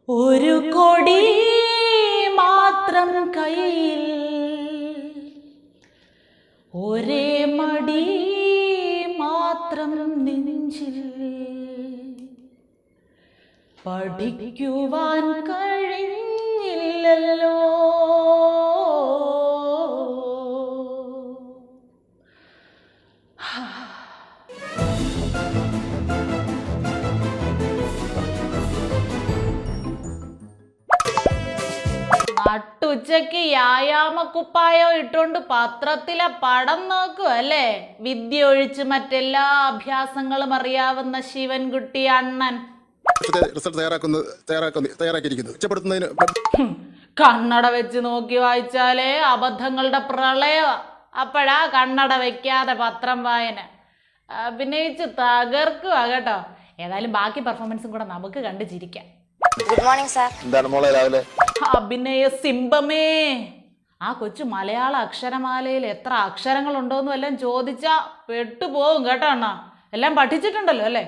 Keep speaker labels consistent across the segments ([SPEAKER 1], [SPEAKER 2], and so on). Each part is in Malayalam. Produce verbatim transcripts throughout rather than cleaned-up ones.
[SPEAKER 1] ഒരു കൊടി മാത്രം കയ്യിൽ, ഒരേ മടി മാത്രം നെഞ്ചിൽ, പഠിക്കുവാൻ കഴിഞ്ഞില്ലല്ലോ. നട്ടുച്ചയ്ക്ക് വ്യായാമക്കുപ്പായോ ഇട്ടുകൊണ്ട് പത്രത്തിലെ പടം നോക്കുക അല്ലേ? വിദ്യ ഒഴിച്ച് മറ്റെല്ലാ അഭ്യാസങ്ങളും അറിയാവുന്ന ശിവൻകുട്ടി അണ്ണൻ കണ്ണട വെച്ച് നോക്കി വായിച്ചാലേ അബദ്ധങ്ങളുടെ പ്രളയ. അപ്പോഴാ കണ്ണട വെക്കാതെ പത്രം വായന. അഭിനയിച്ച് തകർക്കുക കേട്ടോ. ഏതായാലും ബാക്കി പെർഫോമൻസും കൂടെ നമുക്ക് കണ്ടു ചിരിക്കാം.
[SPEAKER 2] Good morning sir. എന്താണ് മോളെ രാവിലെ?
[SPEAKER 1] അഭിനയ സിംബമേ, ആ കൊച്ചു മലയാള അക്ഷരമാലയിൽ എത്ര അക്ഷരങ്ങളുണ്ടോന്ന് വല്ലതും ചോദിച്ചാ പെട്ടുപോകും കേട്ടോ അണ്ണ. എല്ലാം പഠിച്ചിട്ടുണ്ടല്ലോ അല്ലേ?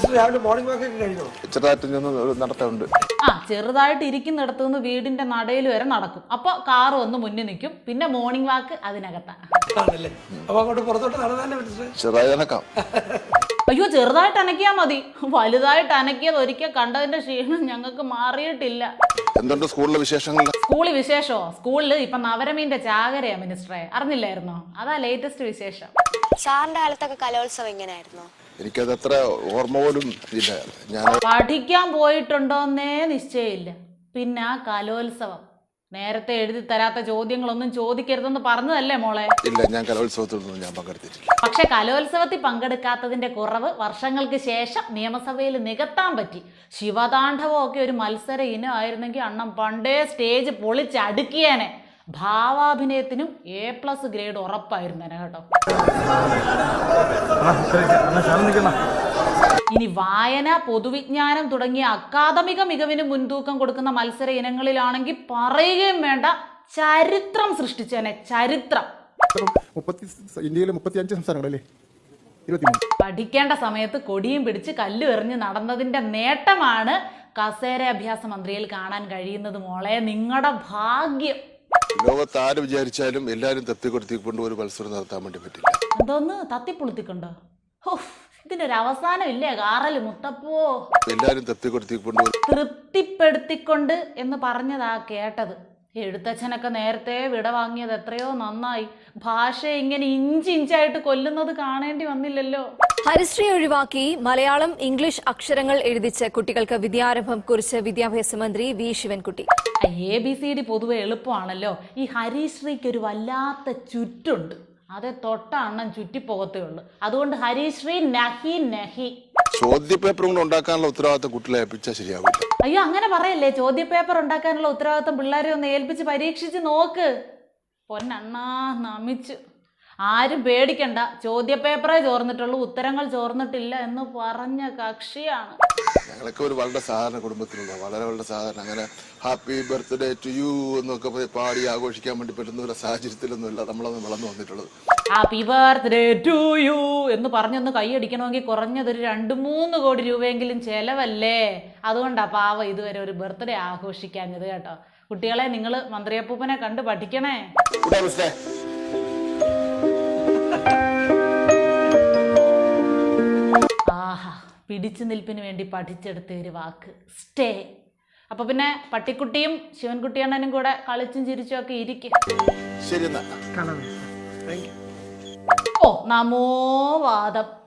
[SPEAKER 1] ആ ചെറുതായിട്ട് ഇരിക്കുന്നിടത്തു നിന്ന് വീടിന്റെ നടയിൽ വരെ നടക്കും. അപ്പൊ കാറ് വന്ന് മുന്നിൽ നിൽക്കും. പിന്നെ മോർണിംഗ് വാക്ക് അതിനകത്താണ്. അയ്യോ ചെറുതായിട്ട് അനക്കിയാ മതി. വലുതായിട്ട് അനക്കിയത് ഒരിക്കൽ കണ്ടതിന്റെ ക്ഷീണം ഞങ്ങൾക്ക് മാറിയിട്ടില്ല.
[SPEAKER 3] എന്തുണ്ട് സ്കൂളിലെ വിശേഷങ്ങൾ?
[SPEAKER 1] സ്കൂളിൽ വിശേഷോ? സ്കൂളിൽ ഇപ്പൊ നവരമീന്റെ ചാകരയാ മിനിസ്റ്ററെ, അറിഞ്ഞില്ലായിരുന്നോ? അതാ ലേറ്റസ്റ്റ് വിശേഷം.
[SPEAKER 2] സാറിന്റെ കാലത്തൊക്കെ കലോത്സവം എങ്ങനെയായിരുന്നു?
[SPEAKER 3] എനിക്കത് അത്ര ഓർമ്മ പോലും ഇല്ല. ഞാൻ
[SPEAKER 1] പഠിക്കാൻ പോയിട്ടുണ്ടോന്നേ നിശ്ചയമില്ല. പിന്നെ ആ കലോത്സവം നേരത്തെ എഴുതി തരാത്ത ചോദ്യങ്ങളൊന്നും ചോദിക്കരുതെന്ന് പറഞ്ഞതല്ലേ മോളെ?
[SPEAKER 3] ഇല്ല, ഞാൻ കലോത്സവത്തിലൊന്നും ഞാൻ പങ്കെടുത്തിട്ടില്ല.
[SPEAKER 1] പക്ഷെ കലോത്സവത്തിൽ പങ്കെടുക്കാത്തതിന്റെ കുറവ് വർഷങ്ങൾക്ക് ശേഷം നിയമസഭയിൽ നികത്താൻ പറ്റി. ശിവതാണ്ഡവം ഒക്കെ ഒരു മത്സര ഇനമായിരുന്നെങ്കിൽ അണ്ണം പണ്ടേ സ്റ്റേജ് പൊളിച്ചടുക്കിയേനെ. ഭാവാഭിനയത്തിനും എ പ്ലസ് ഗ്രേഡ് ഉറപ്പായിരുന്നേനെ കേട്ടോ. ഇനി വായന, പൊതുവിജ്ഞാനം തുടങ്ങിയ അക്കാദമിക മികവിന് മുൻതൂക്കം കൊടുക്കുന്ന മത്സര ഇനങ്ങളിലാണെങ്കിൽ പറയുകയും വേണ്ട, ചരിത്രം സൃഷ്ടിച്ചേനെ. ചരിത്രം.
[SPEAKER 4] ഇന്ത്യയിലെ മുപ്പത്തിയഞ്ച് സംസ്ഥാനങ്ങളല്ലേ?
[SPEAKER 1] പഠിക്കേണ്ട സമയത്ത് കൊടിയും പിടിച്ച് കല്ല് എറിഞ്ഞ് നടന്നതിന്റെ നേട്ടമാണ് കസേര അഭ്യാസ മന്ത്രിയിൽ കാണാൻ കഴിയുന്നത് മോളെ. നിങ്ങളുടെ ഭാഗ്യം.
[SPEAKER 3] ലോകത്ത് ആര് വിചാരിച്ചാലും എല്ലാരും തപ്പിക്കൊടുത്തിക്കൊണ്ട് ഒരു മത്സരം നടത്താൻ വേണ്ടി പറ്റില്ല.
[SPEAKER 1] എന്തോന്ന് തത്തിപ്പൊളുത്തിക്കൊണ്ടോ? ഇതിന്റെ ഒരു അവസാനം ഇല്ലേ കാറല് മുത്തപ്പോ?
[SPEAKER 3] എല്ലാരും തപ്പിക്കൊടുത്തിക്കൊണ്ട്
[SPEAKER 1] തൃപ്തിപ്പെടുത്തിക്കൊണ്ട് എന്ന് പറഞ്ഞതാ കേട്ടത്. എഴുത്തച്ഛനൊക്കെ നേരത്തെ വിട വാങ്ങിയത് എത്രയോ നന്നായി. ഭാഷ ഇങ്ങനെ ഇഞ്ചി ഇഞ്ചായിട്ട് കൊല്ലുന്നത് കാണേണ്ടി വന്നില്ലല്ലോ.
[SPEAKER 5] ഹരിശ്രീ ഒഴിവാക്കി മലയാളം, ഇംഗ്ലീഷ് അക്ഷരങ്ങൾ എഴുതിച്ച് കുട്ടികൾക്ക് വിദ്യാരംഭം കുറിച്ച് വിദ്യാഭ്യാസ മന്ത്രി V Sivankutty.
[SPEAKER 1] A B C D പൊതുവെ എളുപ്പമാണല്ലോ. ഈ ഹരിശ്രീക്ക് ഒരു വല്ലാത്ത ചുറ്റുണ്ട്. അതെ തൊട്ടണ്ണം ചുറ്റിപ്പോകത്തേ ഉള്ളു. അതുകൊണ്ട് ഹരിശ്രീ നഹി നഹി.
[SPEAKER 3] ചോദ്യപേപ്പർ കൊണ്ട് ഉണ്ടാക്കാനുള്ള ഉത്തരവാദിത്തം കുട്ടികളെ ഏൽപ്പിച്ചാൽ ശരിയാവില്ല.
[SPEAKER 1] അയ്യോ അങ്ങനെ പറയല്ലേ. ചോദ്യപേപ്പർ ഉണ്ടാക്കാനുള്ള ഉത്തരവാദിത്തം പിള്ളേരെ ഒന്ന് ഏൽപ്പിച്ച് പരീക്ഷിച്ച് നോക്ക്. പൊന്നണ്ണാ നമിച്ചു. ആരും പേടിക്കണ്ട, ചോദ്യപേപ്പറേ ചോർന്നിട്ടുള്ളൂ, ഉത്തരങ്ങൾ ചോർന്നിട്ടില്ല എന്ന് പറഞ്ഞ കക്ഷിയാണ്.
[SPEAKER 3] ഞങ്ങളൊക്കെ ഒരു വളരെ സാധാരണ കുടുംബത്തിലുള്ള വളരെ വളരെ സാധാരണ, അങ്ങനെ ഹാപ്പി ബർത്ത്ഡേ ടു യു എന്നൊക്കെ പാടി ആഘോഷിക്കാൻ വേണ്ടി പറ്റുന്ന ഒരു സാഹചര്യത്തിലൊന്നുമില്ല നമ്മളൊന്ന് വളർന്നു വന്നിട്ടുള്ളത്.
[SPEAKER 1] ഹാപ്പി ബർത്ത്ഡേ ടു യു എന്ന് പറഞ്ഞൊന്ന് കൈയടിക്കണമെങ്കിൽ കുറഞ്ഞതൊരു രണ്ട് മൂന്ന് കോടി രൂപയെങ്കിലും ചെലവല്ലേ. അതുകൊണ്ടാ പാവ ഇതുവരെ ഒരു ബർത്ത്ഡേ ആഘോഷിക്കാഞ്ഞത് കേട്ടോ. കുട്ടികളെ നിങ്ങൾ മന്ത്രിയപ്പൂപ്പനെ കണ്ട് പഠിക്കണേ. ആഹാ, പിടിച്ചു നിൽപ്പിന് വേണ്ടി പഠിച്ചെടുത്ത ഒരു വാക്ക് സ്റ്റേ. അപ്പൊ പിന്നെ പട്ടിക്കുട്ടിയും ശിവൻകുട്ടിയണ്ണനും കൂടെ കളിച്ചും ചിരിച്ചും ഒക്കെ ഇരിക്കും.
[SPEAKER 3] ശരി.
[SPEAKER 1] ഓ നമോ വാദം.